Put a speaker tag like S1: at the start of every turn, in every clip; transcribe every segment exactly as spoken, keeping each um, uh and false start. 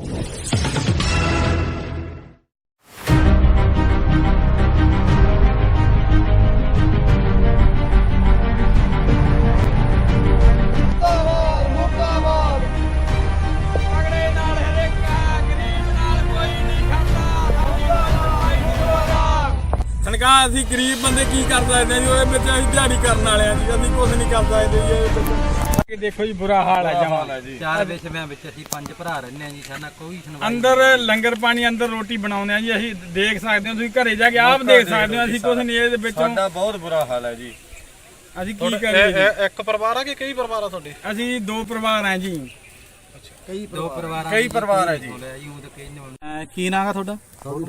S1: ਅਸੀਂ ਗਰੀਬ ਬੰਦੇ ਕੀ ਕਰ ਸਕਦੇ ਜੀ, ਉਹਦੇ ਵਿੱਚ ਅਸੀਂ ਦਿਹਾੜੀ ਕਰਨ ਵਾਲੇ ਆ ਜੀ, ਅਸੀਂ ਕੁਝ ਨਹੀਂ ਕਰ ਸਕਦੇ ਜੀ। ਦੇਖੋ ਜੀ ਬੁਰਾ ਹਾਲ ਹੈ ਜਮਾਂ ਜੀ।
S2: ਚਾਰ ਵਿਸ਼ਵਿਆਂ ਵਿੱਚ ਅਸੀਂ ਪੰਜ ਭਰਾ ਰਹਿੰਦੇ ਆ ਜੀ, ਸਾਡਾ ਕੋਈ ਸੁਣਵਾਈ
S1: ਅੰਦਰ ਲੰਗਰ ਪਾਣੀ ਅੰਦਰ ਰੋਟੀ ਬਣਾਉਂਦੇ ਆ ਜੀ, ਅਸੀਂ ਦੇਖ ਸਕਦੇ ਹੋ, ਤੁਸੀਂ ਘਰੇ ਜਾ ਕੇ ਆਪ ਦੇਖ ਸਕਦੇ ਹੋ, ਅਸੀਂ ਕੁਝ ਨਹੀਂ ਇਹਦੇ ਵਿੱਚੋਂ।
S3: ਸਾਡਾ ਬਹੁਤ ਬੁਰਾ ਹਾਲ ਹੈ ਜੀ।
S1: ਅਸੀਂ ਕੀ ਕਰੀਏ?
S3: ਇੱਕ ਪਰਿਵਾਰ ਆ ਕਿ ਕਈ ਪਰਿਵਾਰ ਆ ਤੁਹਾਡੇ?
S1: ਅਸੀਂ ਦੋ ਪਰਿਵਾਰ ਆ ਜੀ।
S2: ਕਈ ਦੋ ਪਰਿਵਾਰ
S3: ਕਈ ਪਰਿਵਾਰ ਹੈ ਜੀ।
S4: ਕੀ ਨਾਂ ਹੈ ਤੁਹਾਡਾ?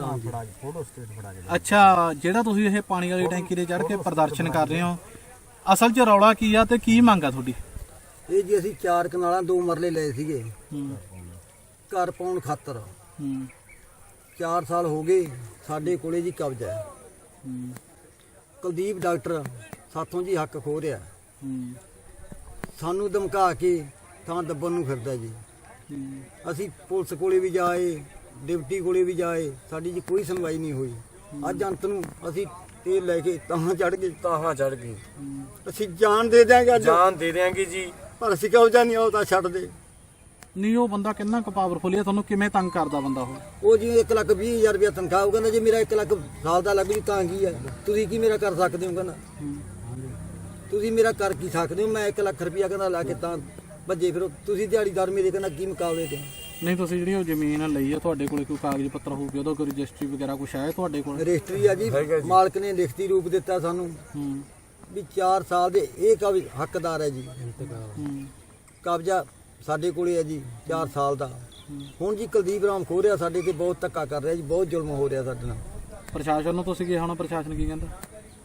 S4: ਅੱਛਾ, ਜਿਹੜਾ ਤੁਸੀਂ ਇਹ ਪਾਣੀ ਵਾਲੀ ਟੈਂਕੀ ਤੇ ਚੜ੍ਹ ਕੇ ਪ੍ਰਦਰਸ਼ਨ ਕਰ ਰਹੇ ਹੋ, ਅਸਲ 'ਚ ਰੌਲਾ ਕੀ ਆ ਤੇ ਕੀ ਮੰਗ ਆ ਤੁਹਾਡੀ?
S5: ਇਹ ਜੀ ਅਸੀਂ ਚਾਰ ਕਨਾਲਾਂ ਦੋ ਮਰਲੇ ਲਏ ਸੀਗੇ ਘਰ ਪਾਉਣ ਖਾਤਰ। ਚਾਰ ਸਾਲ ਹੋ ਗਏ ਸਾਡੇ ਕੋਲੇ ਜੀ ਕਬਜ਼ਾ ਹੈ। ਕੁਲਦੀਪ ਡਾਕਟਰ ਸਾਥੋਂ ਜੀ ਹੱਕ ਖੋ ਰਿਹਾ, ਸਾਨੂੰ ਧਮਕਾ ਕੇ ਥਾਂ ਦੱਬਣ ਨੂੰ ਫਿਰਦਾ ਜੀ। ਅਸੀਂ ਪੁਲਿਸ ਕੋਲੇ ਵੀ ਜਾਏ, ਡਿਪਟੀ ਕੋਲੇ ਵੀ ਜਾਏ, ਸਾਡੀ ਜੀ ਕੋਈ ਸੁਣਵਾਈ ਨਹੀਂ ਹੋਈ। ਅੱਜ ਅੰਤ ਨੂੰ ਅਸੀਂ ਤੇਲ ਲੈ ਕੇ ਤਾਹਾਂ ਚੜ ਗਏ
S3: ਤਾਹਾਂ ਚੜ ਗਈ।
S5: ਅਸੀਂ ਜਾਨ ਦੇ ਦਿਆਂਗੇ, ਅੱਜ
S3: ਜਾਨ ਦੇ ਦਿਆਂਗੇ ਜੀ,
S5: ਪਰ ਅਸੀਂ ਕਬਜ਼ਾ ਨਹੀਂ ਆਉ ਤਾਂ ਛੱਡ ਦੇ।
S4: ਨਹੀਂ, ਉਹ ਬੰਦਾ ਕਿੰਨਾ ਕੁ ਪਾਵਰਫੁਲ ਹੈ, ਤੁਹਾਨੂੰ ਕਿਵੇਂ ਤੰਗ ਕਰਦਾ ਬੰਦਾ ਉਹ?
S5: ਉਹ ਜੀ ਇੱਕ ਲੱਖ ਵੀਹ ਹਜ਼ਾਰ ਰੁਪਇਆ ਤਨਖਾਹ, ਉਹ ਕਹਿੰਦਾ ਜੀ ਮੇਰਾ ਇੱਕ ਲੱਖ ਸਾਲ ਦਾ ਲੱਗ ਜੀ, ਤਾਂ ਕੀ ਹੈ, ਤੁਸੀਂ ਕੀ ਮੇਰਾ ਕਰ ਸਕਦੇ ਹੋ? ਕਹਿੰਦਾ ਤੁਸੀਂ ਮੇਰਾ ਕਰ ਕੀ ਸਕਦੇ ਹੋ? ਮੈਂ ਇੱਕ ਲੱਖ ਰੁਪਇਆ ਕਹਿੰਦਾ ਲਾ ਕੇ ਤਾਂ ਭੱਜੇ ਫਿਰੋ, ਤੁਸੀਂ ਦਿਹਾੜੀਦਾਰ ਮੇਰੇ ਕਹਿੰਦਾ ਕੀ ਮੁਕਾਬਲੇ ਤੇ?
S4: ਨਹੀਂ, ਤੁਸੀਂ ਜਿਹੜੀ ਉਹ ਜ਼ਮੀਨ ਲਈ ਆ, ਤੁਹਾਡੇ ਕੋਲ ਕੋਈ ਕਾਗਜ਼ ਪੱਤਰ ਹੋਊਗਾ, ਉਹਦਾ ਕੋਈ ਰਜਿਸਟਰੀ ਵਗੈਰਾ ਕੁਛ ਹੈ ਤੁਹਾਡੇ ਕੋਲ?
S5: ਰਜਿਸਟਰੀ ਆ ਜੀ, ਮਾਲਕ ਨੇ ਲਿਖਤੀ ਰੂਪ ਦਿੱਤਾ ਸਾਨੂੰ ਵੀ ਚਾਰ ਸਾਲ ਦੇ ਇਹ ਕਬਜ਼ ਹੱਕਦਾਰ ਹੈ ਜੀ। ਕਬਜ਼ਾ ਸਾਡੇ ਕੋਲੇ ਹੈ ਜੀ ਚਾਰ ਸਾਲ ਦਾ। ਹੁਣ ਜੀ ਕੁਲਦੀਪ ਰਾਮ ਖੋ ਰਿਹਾ, ਸਾਡੇ ਤੇ ਬਹੁਤ ਧੱਕਾ ਕਰ ਰਿਹਾ ਜੀ, ਬਹੁਤ ਜ਼ੁਲਮ ਹੋ ਰਿਹਾ ਸਾਡੇ ਨਾਲ।
S4: ਪ੍ਰਸ਼ਾਸਨ ਨੂੰ ਤੁਸੀਂ ਕੀ ਹੁਣ ਪ੍ਰਸ਼ਾਸਨ ਕੀ ਕਹਿੰਦਾ?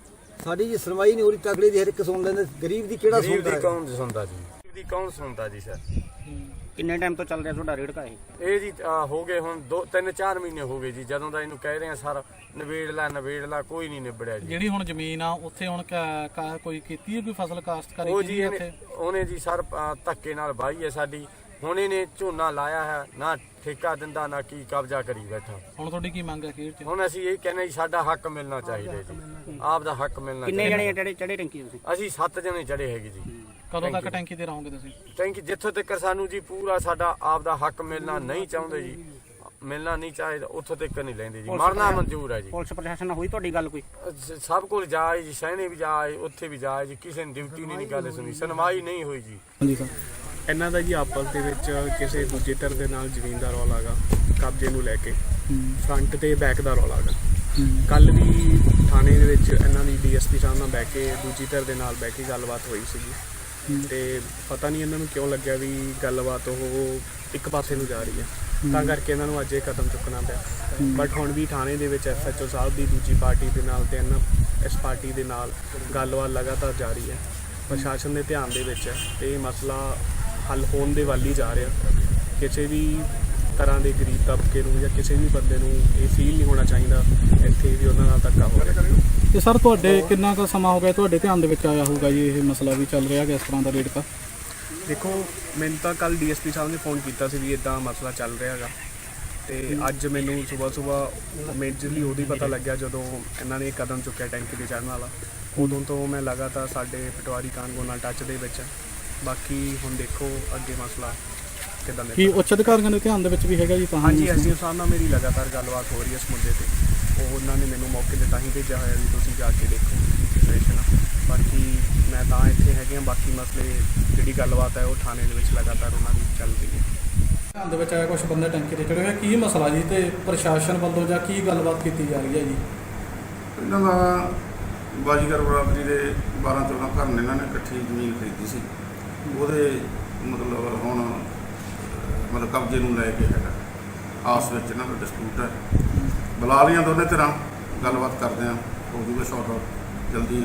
S5: ਸਾਡੀ ਜੀ ਸੁਣਵਾਈ ਨਹੀਂ ਹੋ ਰਹੀ, ਤਕੜੇ ਦੀ ਹਰ ਇੱਕ ਸੁਣ ਲੈਂਦੇ, ਗਰੀਬ ਦੀ ਕਿਹੜਾ ਸੁਣਦਾ?
S3: ਗਰੀਬ ਦੀ ਕੌਣ ਸੁਣਦਾ ਜੀ? ਗਰੀਬ ਦੀ ਕੌਣ ਸੁਣਦਾ ਜੀ? ਸਰ
S2: ਕਿੰਨੇ ਟਾਈਮ ਤੋਂ ਚੱਲ ਰਿਹਾ ਤੁਹਾਡਾ ਰੇੜਕਾ? ਇਹ
S3: ਇਹ ਜੀ ਹੋ ਗਏ ਹੁਣ ਦੋ ਤਿੰਨ ਚਾਰ ਮਹੀਨੇ ਹੋ ਗਏ ਜੀ, ਜਦੋਂ ਦਾ ਇਹਨੂੰ ਕਹਿ ਰਹੇ ਆ ਸਰ ਨਵੇੜ ਲਾ ਨਵੇੜ ਲਾ, ਕੋਈ ਨਹੀਂ ਨਿਬੜਿਆ ਜੀ।
S4: ਜਿਹੜੀ ਹੁਣ ਜ਼ਮੀਨ ਆ ਉੱਥੇ ਹੁਣ ਕਾ- ਕਾ- ਕੋਈ ਕੀਤੀ ਹੈ ਕੋਈ ਫਸਲ ਕਾਸ਼ਤਕਾਰੀ
S3: ਉਹ
S4: ਕੀਤੀ
S3: ਜੀ
S4: ਹੈ
S3: ਇਹਨੇ
S4: ਉੱਥੇ?
S3: ਉਹਨੇ ਜੀ ਸਰ ਧੱਕੇ ਨਾਲ ਵਾਹੀ ਹੈ ਸਾਡੀ। ਹੁਣ ਇਹਨੇ ਝੋਨਾ ਲਾਇਆ ਹੈ, ਨਾ ਠੇਕਾ ਦਿੰਦਾ ਨਾ ਕੀ, ਕਬਜ਼ਾ ਕਰੀ ਬੈਠਾ।
S4: ਹੁਣ ਤੁਹਾਡੀ ਕੀ ਮੰਗ ਹੈ ਅਖੀਰ 'ਚ?
S3: ਹੁਣ ਅਸੀਂ ਇਹ ਕਹਿੰਦੇ ਜੀ ਸਾਡਾ ਹੱਕ ਮਿਲਣਾ ਚਾਹੀਦਾ ਜੀ, ਆਪ ਦਾ ਹੱਕ ਮਿਲਣਾ
S2: ਕਿੰਨੇ
S3: ਚਾਹੀਦਾ।
S2: ਜਣੇ ਚੜੇ ਚੜੇ ਟੈਂਕੀ ਤੁਸੀਂ?
S3: ਅਸੀਂ ਸੱਤ ਜਣੇ ਚੜੇ ਹੈਗੇ ਜੀ।
S4: ਕਦੋਂ ਤੱਕ ਟੈਂਕੀ ਤੇ ਰਹੋਗੇ ਤੁਸੀਂ?
S3: ਟੈਂਕੀ ਜਿੱਥੋਂ ਤੱਕ ਸਾਨੂੰ ਜੀ ਪੂਰਾ ਸਾਡਾ ਆਪ ਦਾ ਹੱਕ ਮਿਲਣਾ ਨਹੀਂ ਚਾਹੁੰਦੇ ਜੀ, ਮਿਲਣਾ ਨਹੀਂ ਚਾਹੀਦਾ, ਉੱਥੋਂ ਤੱਕ ਨਹੀਂ ਲੈਂਦੇ ਜੀ, ਮਰਨਾ ਮਨਜ਼ੂਰ ਹੈ ਜੀ।
S2: ਪੁਲਿਸ ਪ੍ਰਸ਼ਾਸਨ ਨਾਲ ਹੋਈ ਤੁਹਾਡੀ ਗੱਲ ਕੋਈ?
S3: ਅਹ ਸਭ ਕੋਲ ਜਾਏ ਜੀ, ਸੈਣੇ ਵੀ ਜਾਏ, ਉੱਥੇ ਵੀ ਜਾਏ ਜੀ, ਕਿਸੇ ਨੇ ਡਿਊਟੀ ਨਹੀਂ ਗੱਲ ਸੁਣੀ, ਸੁਣਵਾਈ ਨਹੀਂ ਹੋਈ ਜੀ।
S4: ਹਾਂਜੀ ਸਰ।
S6: ਇਹਨਾਂ ਦਾ ਜੀ ਆਪਸ ਦੇ ਵਿੱਚ ਕਿਸੇ ਦੂਜੇ ਧਿਰ ਦੇ ਨਾਲ ਜ਼ਮੀਨ ਦਾ ਰੌਲਾ ਹੈਗਾ, ਕਬਜ਼ੇ ਨੂੰ ਲੈ ਕੇ ਫਰੰਟ ਤੇ ਬੈਕ ਦਾ ਰੌਲਾ ਹੈਗਾ। ਕੱਲ ਵੀ ਥਾਣੇ ਦੇ ਵਿੱਚ ਇਹਨਾਂ ਦੀ ਡੀਐਸਪੀ ਸਾਹਿਬ ਨਾਲ ਬਹਿ ਕੇ ਦੂਜੀ ਧਿਰ ਦੇ ਨਾਲ ਬਹਿ ਕੇ ਗੱਲਬਾਤ ਹੋਈ ਸੀਗੀ, ਤੇ ਪਤਾ ਨਹੀਂ ਇਹਨਾਂ ਨੂੰ ਕਿਉਂ ਲੱਗਿਆ ਵੀ ਗੱਲਬਾਤ ਉਹ ਇੱਕ ਪਾਸੇ ਨੂੰ ਜਾ ਰਹੀ ਹੈ, ਤਾਂ ਕਰਕੇ ਇਹਨਾਂ ਨੂੰ ਅੱਜ ਇਹ ਕਦਮ ਚੁੱਕਣਾ ਪਿਆ। ਬਟ ਹੁਣ ਵੀ ਥਾਣੇ ਦੇ ਵਿੱਚ ਐਸਐਚਓ ਸਾਹਿਬ ਦੀ ਦੂਜੀ ਪਾਰਟੀ ਦੇ ਨਾਲ ਤੇ ਇਹਨਾਂ ਇਸ ਪਾਰਟੀ ਦੇ ਨਾਲ ਗੱਲਬਾਤ ਲਗਾਤਾਰ ਜਾਰੀ ਹੈ, ਪ੍ਰਸ਼ਾਸਨ ਦੇ ਧਿਆਨ ਦੇ ਵਿੱਚ ਹੈ, ਤੇ ਇਹ ਮਸਲਾ ਹੱਲ ਹੋਣ ਦੇ ਵੱਲ ਹੀ ਜਾ ਰਿਹਾ। ਕਿਸੇ ਵੀ ਤਰ੍ਹਾਂ ਦੇ ਗਰੀਬ ਤਬਕੇ ਨੂੰ ਜਾਂ ਕਿਸੇ ਵੀ ਬੰਦੇ ਨੂੰ ਇਹ ਫੀਲ ਨਹੀਂ ਹੋਣਾ ਚਾਹੀਦਾ ਇੱਥੇ ਵੀ ਉਹਨਾਂ ਨਾਲ ਧੱਕਾ ਹੋ ਰਿਹਾ।
S4: ਤੇ ਸਰ ਤੁਹਾਡੇ ਕਿੰਨਾ ਕੁ ਸਮਾਂ ਹੋ ਗਿਆ ਤੁਹਾਡੇ ਧਿਆਨ ਦੇ ਵਿੱਚ ਆਇਆ ਹੋਊਗਾ ਜੀ ਇਹ ਮਸਲਾ ਵੀ ਚੱਲ ਰਿਹਾ ਇਸ ਤਰ੍ਹਾਂ ਦਾ ਰੇੜਕਾ?
S6: ਦੇਖੋ, ਮੈਨੂੰ ਤਾਂ ਕੱਲ ਡੀਐਸਪੀ ਸਾਹਿਬ ਨੇ ਫੋਨ ਕੀਤਾ ਸੀ ਵੀ ਇੱਦਾਂ ਮਸਲਾ ਚੱਲ ਰਿਹਾ ਹੈਗਾ, ਤੇ ਅੱਜ ਮੈਨੂੰ ਸਵੇਰ ਸਵੇਰ ਮੇਜਰਲੀ ਉਹਦੀ ਪਤਾ ਲੱਗਿਆ ਜਦੋਂ ਇਹਨਾਂ ਨੇ ਕਦਮ ਚੁੱਕਿਆ ਟੈਂਕੀ ਤੇ ਚੜ੍ਹਨ ਵਾਲਾ। ਉਦੋਂ ਤੋਂ ਮੈਂ ਲਗਾਤਾਰ ਸਾਡੇ ਪਟਵਾਰੀ ਕਾਨੂੰਗੋ ਨਾਲ ਟੱਚ ਦੇ ਵਿੱਚ। ਬਾਕੀ ਹੁਣ ਦੇਖੋ ਅੱਗੇ ਮਸਲਾ ਕਿੱਦਾਂ ਦਾ।
S4: ਕੀ ਉੱਚ ਅਧਿਕਾਰੀਆਂ ਦੇ ਧਿਆਨ ਦੇ ਵਿੱਚ ਵੀ ਹੈਗਾ ਜੀ? ਤਾਂ
S6: ਹਾਂਜੀ, ਐਸਡੀਓ ਸਾਹਿਬ ਨਾਲ ਮੇਰੀ ਲਗਾਤਾਰ ਗੱਲਬਾਤ ਹੋ ਰਹੀ ਹੈ ਇਸ ਮੁੱਦੇ ਤੇ। ਉਹ ਉਹਨਾਂ ਨੇ ਮੈਨੂੰ ਮੌਕੇ 'ਤੇ ਤਾਂ ਹੀ ਭੇਜਿਆ ਹੋਇਆ ਵੀ ਤੁਸੀਂ ਜਾ ਕੇ ਦੇਖੋ ਕੀ ਸਿਚੁਏਸ਼ਨ ਆ। ਬਾਕੀ ਮੈਂ ਤਾਂ ਇੱਥੇ ਹੈਗੇ ਹਾਂ, ਬਾਕੀ ਮਸਲੇ ਜਿਹੜੀ ਗੱਲਬਾਤ ਹੈ ਉਹ ਥਾਣੇ ਦੇ ਵਿੱਚ ਲਗਾਤਾਰ ਉਹਨਾਂ ਦੀ ਚੱਲ ਰਹੀ ਹੈ।
S4: ਧਿਆਨ ਦੇ ਵਿੱਚ ਆਇਆ ਕੁਝ ਬੰਦੇ ਟੈਂਕੀ ਤੇ ਚੜੇ ਹੋਏ, ਕੀ ਮਸਲਾ ਜੀ ਤੇ ਪ੍ਰਸ਼ਾਸਨ ਵੱਲੋਂ ਜਾਂ ਕੀ ਗੱਲਬਾਤ ਕੀਤੀ ਜਾ ਰਹੀ ਹੈ ਜੀ?
S7: ਇਹਨਾਂ ਦਾ ਬਾਜੀਗਰ ਬਰਾਦਰੀ ਦੇ ਬਾਰਾਂ ਚੌਦਾਂ ਘਰ ਨੇ, ਇਹਨਾਂ ਨੇ ਇਕੱਠੀ ਜ਼ਮੀਨ ਖਰੀਦੀ ਸੀ, ਉਹਦੇ ਮਤਲਬ ਹੁਣ ਮਤਲਬ ਕਬਜ਼ੇ ਨੂੰ ਲੈ ਕੇ ਹੈਗਾ, ਆਸ ਵਿੱਚ ਇਹਨਾਂ ਦਾ ਡਿਸਪਿਊਟ ਹੈ। ਬੁਲਾ ਲਈਆਂ ਦੋਨੇ ਧਿਰਾਂ, ਗੱਲਬਾਤ ਕਰਦੇ ਹਾਂ, ਹੋ ਜੂਗਾ ਸ਼ਾਰਟ ਆਊਟ ਜਲਦੀ।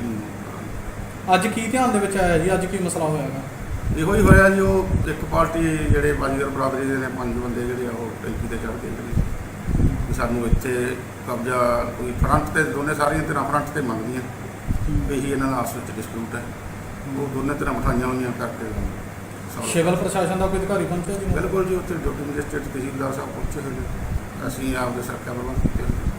S4: ਅੱਜ ਕੀ ਧਿਆਨ ਦੇ ਵਿੱਚ ਆਇਆ ਜੀ? ਅੱਜ ਕੀ ਮਸਲਾ ਹੋਇਆ ਹੈਗਾ?
S7: ਇਹੋ ਹੀ ਹੋਇਆ ਜੀ, ਉਹ ਇੱਕ ਪਾਰਟੀ ਜਿਹੜੇ ਬਾਜੀਗਰ ਬਰਾਦਰੀ ਦੇ ਨੇ ਪੰਜ ਬੰਦੇ ਜਿਹੜੇ ਆ ਉਹ ਟੈਂਕੀ ਤੇ ਚੜ੍ਹ ਕੇ ਜਿਹੜੇ ਵੀ ਸਾਨੂੰ ਇੱਥੇ ਕਬਜ਼ਾ ਕੋਈ ਫਰੰਟ ਤੇ, ਦੋਨੇ ਸਾਰੀਆਂ ਧਿਰਾਂ ਫਰੰਟ ਤੇ ਮੰਗਦੀਆਂ, ਇਹੀ ਇਹਨਾਂ ਦਾ ਆਪਸ ਵਿੱਚ ਡਿਸਪਿਊਟ ਹੈ। ਉਹ ਦੋਨੇ ਧਿਰਾਂ ਮਿਠਾਈਆਂ ਹੋਈਆਂ ਕਰਕੇ solve
S4: ਸਿਵਲ ਪ੍ਰਸ਼ਾਸਨ ਦਾ ਕੋਈ ਅਧਿਕਾਰੀ ਪਹੁੰਚਿਆ ਜੀ?
S7: ਬਿਲਕੁਲ ਜੀ, ਉੱਥੇ ਡਿਊਟੀ ਮੈਜਿਸਟਰੇਟ ਤਹਿਸੀਲਦਾਰ ਸਾਹਿਬ ਪਹੁੰਚੇ ਹੋਏ ਨੇ, ਅਸੀਂ ਆਪਦੇ ਸੁਰੱਖਿਆ ਪ੍ਰਬੰਧ ਕੀਤੇ ਹੋਏ ਨੇ।